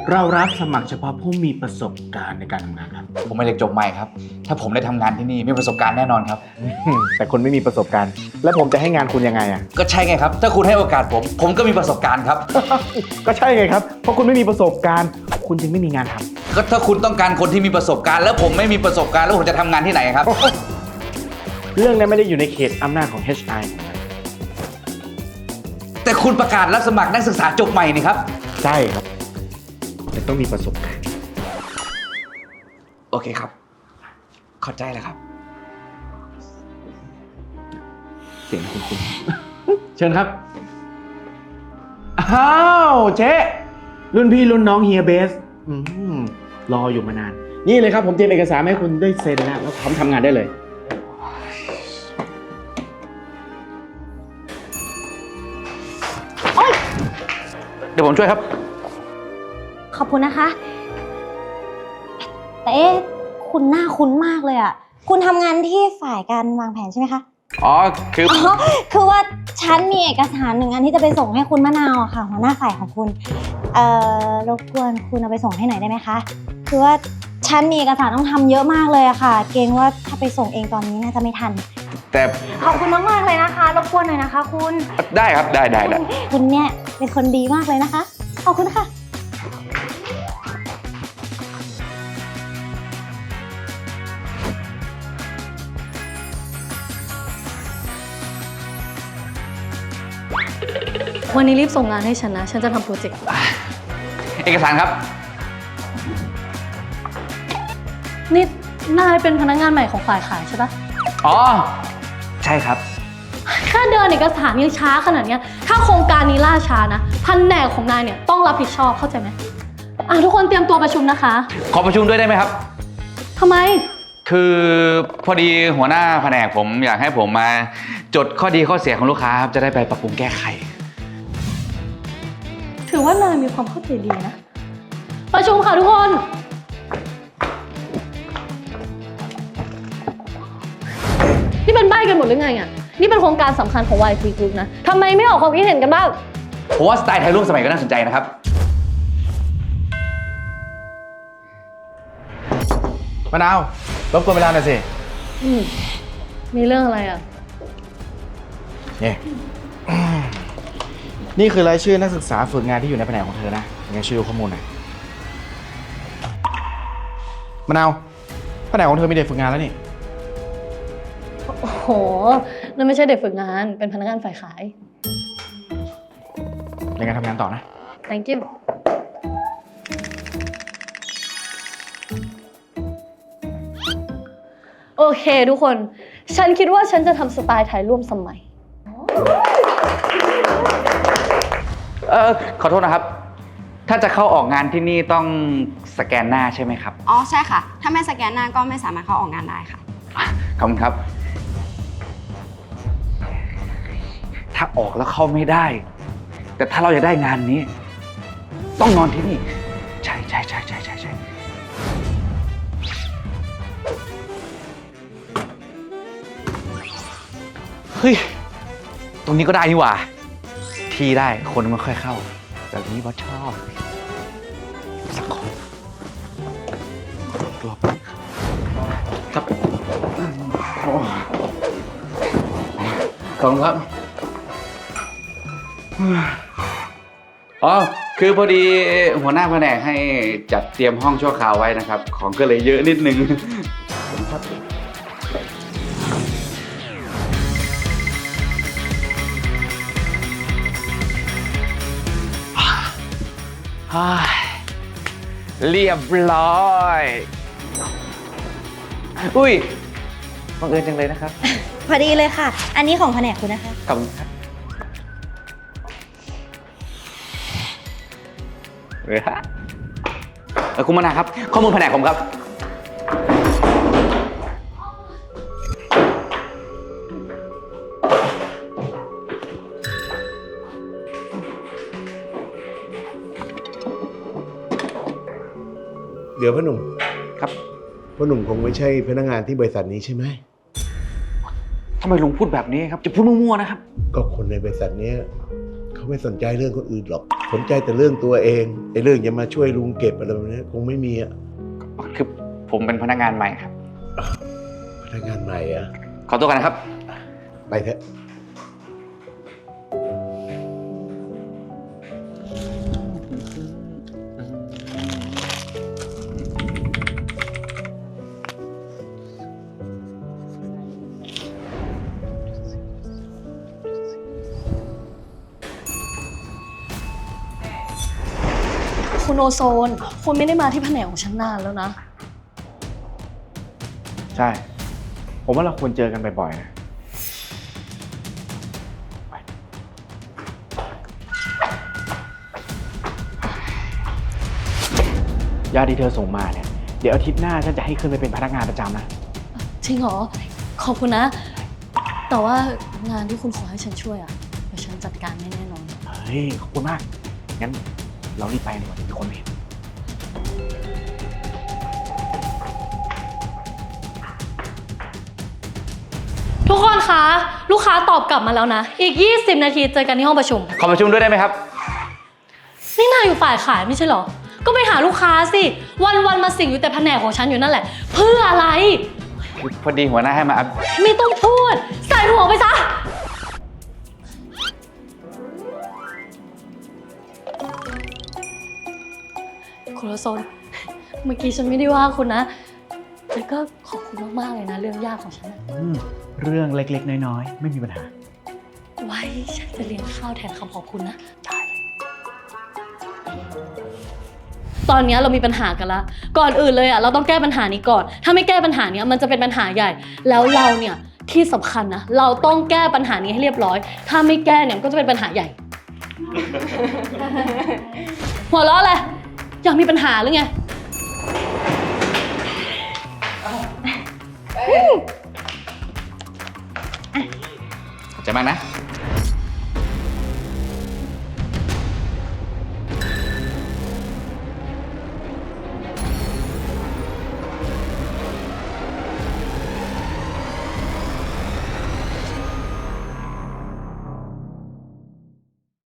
เรารับสมัครเฉพาะผู้มีประสบการณ์ในการทำงานครับผมเป็นเด็กจบใหม่ครับถ้าผมได้ทำงานที่นี่มีประสบการณ์แน่นอนครับแต่คุณไม่มีประสบการณ์ แล้วผมจะให้งานคุณยังไงอ่ะก็ใช่ไงครับถ้าคุณให้โอกาสผมก็มีประสบการณ์ครับก็ใช่ไงครับ เพราะคุณไม่มีประสบการณ์ คุณจึงไม่มีงานทำก็ถ้าคุณต้องการคนที่มีประสบการณ์แล้วผมไม่มีประสบการณ์แล้วผมจะทำงานที่ไหนครับเรื่องนี้ไม่ได้อยู่ในเขตอำนาจของ HR ของมันแต่คุณประกาศรับสมัครนักศึกษาจบใหม่นี่ครับใช่ครับแต่ต้องมีประสบการณ์โอเคครับเข้าใจแล้วครับเสียงคุณ เชิญครับ อ้าวเจ๊รุ่นพี่รุ่นน้องเฮียเบสรออยู่มานาน นี่เลยครับผมเตรียมเอกสารให้คุณได้เซ็นแล้วพร้อมทำงานได้เลยเดี๋ยวผมช่วยครับขอบคุณนะคะ แต่เอ๊ะคุณหน้าคุ้นมากเลยอ่ะ คุณทำงานที่ฝ่ายการวางแผนใช่ไหมคะอ๋อคือคือว่าฉันมีเอกสาร1 อันที่จะไปส่งให้คุณมะนาวอะค่ะหัวหน้าฝ่ายของคุณ รบกวนคุณเอาไปส่งให้หน่อยได้ไหมคะ คือว่าฉันมีเอกสารต้องทำเยอะมากเลยอะค่ะ เกรงว่าถ้าไปส่งเองตอนนี้น่าจะไม่ทันแต่ขอบคุณมากๆเลยนะคะ รบกวนหน่อยนะคะคุณได้ครับได้คุณเนี่ยเป็นคนดีมากเลยนะคะ ขอบคุณค่ะวันนี้รีบส่งงานให้ฉันนะ ฉันจะทำโปรเจกต์เอกสารครับนี่นายเป็นพนักงานใหม่ของฝ่ายขายใช่ปะอ๋อใช่ครับแค่เดินเอกสารยังช้าขนาดเนี้ยถ้าโครงการนี้ล่าช้านะแผนกของนายเนี่ยต้องรับผิดชอบเข้าใจไหมทุกคนเตรียมตัวประชุมนะคะขอประชุมด้วยได้ไหมครับทำไมคือพอดีหัวหน้าแผนกผมอยากให้ผมมาจดข้อดีข้อเสียของลูกค้าครับจะได้ไปปรับปรุงแก้ไขถือว่านายมีความเข้าใจดีนะ ประชุมค่ะทุกคน นี่เป็นใบ้กันหมดหรือไงอ่ะ นี่เป็นโครงการสำคัญของ YT Group นะทำไมไม่ออกความคิดเห็นกันบ้างผมว่าสไตล์ไทยร่วมสมัยก็น่าสนใจนะครับมะนาวรบกวนเวลาหน่อยสิมีเรื่องอะไรอ่ะนี่ นี่คือรายชื่อนักศึกษาฝึกงานที่อยู่ในแผนกของเธอนะยังไงช่วยดูข้อมูลหน่อยมะนาวแผนกของเธอมีเด็กฝึกงานแล้วนี่โอ้โห นั่นไม่ใช่เด็กฝึกงาน เป็นพนักงานฝ่ายขายยังไงทำงานต่อนะ thank you โอเคทุกคน ฉันคิดว่าฉันจะทำสไตล์ไทยร่วมสมัยขอโทษนะครับ ถ้าจะเข้าออกงานที่นี่ต้องสแกนหน้าใช่ไหมครับอ๋อใช่ค่ะ ถ้าไม่สแกนหน้าก็ไม่สามารถเข้าออกงานได้ค่ะขอบคุณครับ ถ้าออกแล้วเข้าไม่ได้ แต่ถ้าเราอยากได้งานนี้ ต้องนอนที่นี่ ใช่เฮ้ย ตรงนี้ก็ได้นี่หว่า ที่ได้คนไม่ค่อยเข้า แบบนี้ว่าชอบสักคนรอบครับขอบคุณครับ อ๋อ คือพอดีหัวหน้าแผนกให้จัดเตรียมห้องชั่วคราวไว้นะครับ ของก็เลยเยอะนิดนึงครับเรียบร้อย อุ้ยบังเอิญจังเลยนะครับพอดีเลยค่ะ อันนี้ของแผนกคุณนะคะขอบคุณครับคุณมนาครับ ข้อมูลแผนกผมครับเดี๋ยวพ่อหนุ่มครับพ่อหนุ่มคงไม่ใช่พนักงานที่บริษัทนี้ใช่ไหมทำไมลุงพูดแบบนี้ครับ จะพูดมั่วๆนะครับก็คนในบริษัทเนี้ยเขาไม่สนใจเรื่องคนอื่นหรอกสนใจแต่เรื่องตัวเองไอ้เรื่องจะมาช่วยลุงเก็บอะไรแบบนี้คงไม่มีอะคือผมเป็นพนักงานใหม่ครับพนักงานใหม่อะขอตัวกันนะครับไปเถอะคุณโอโซน คุณไม่ได้มาที่แผนกของฉันนานแล้วนะใช่ ผมว่าเราควรเจอกันบ่อยๆนะไปยาที่เธอส่งมาเนี่ย เดี๋ยวอาทิตย์หน้าฉันจะให้ขึ้นไปเป็นพนักงานประจำนะจริงเหรอ ขอบคุณนะ แต่ว่างานที่คุณขอให้ฉันช่วยอ่ะ เดี๋ยวฉันจัดการให้แน่นอนเฮ้ย ขอบคุณมาก งั้นเรารีบไปดีกว่าเดี๋ยวมีคนเห็นทุกคนคะ ลูกค้าตอบกลับมาแล้วนะ อีก 20 นาทีเจอกันที่ห้องประชุมขอประชุมด้วยได้ไหมครับนี่นายอยู่ฝ่ายขายไม่ใช่เหรอ ก็ไปหาลูกค้าสิ วันๆมาสิ่งอยู่แต่แผนกของฉันอยู่นั่นแหละ เพื่ออะไรพอดีหัวหน้าให้มาอัพไม่ต้องพูด ใส่หัวไปซะ คุณโอโซน เมื่อกี้ฉันไม่ได้ว่าคุณนะ แต่ก็ขอบคุณมากๆเลยนะ เรื่องยากของฉันนะเรื่องเล็กๆ น้อยๆ ไม่มีปัญหาไว้ฉันจะเลี้ยงข้าวแทนคำขอบคุณนะ ตอนนี้เรามีปัญหากันละก่อนอื่นเลยอ่ะเราต้องแก้ปัญหานี้ก่อน ถ้าไม่แก้ปัญหานี้มันจะเป็นปัญหาใหญ่ แล้วเราเนี่ยที่สำคัญนะเราต้องแก้ปัญหานี้ให้เรียบร้อย ถ้าไม่แก้เนี่ยมันก็จะเป็นปัญหาใหญ่ หัวเราะเลยอยากมีปัญหาหรือไงขอบใจมากนะ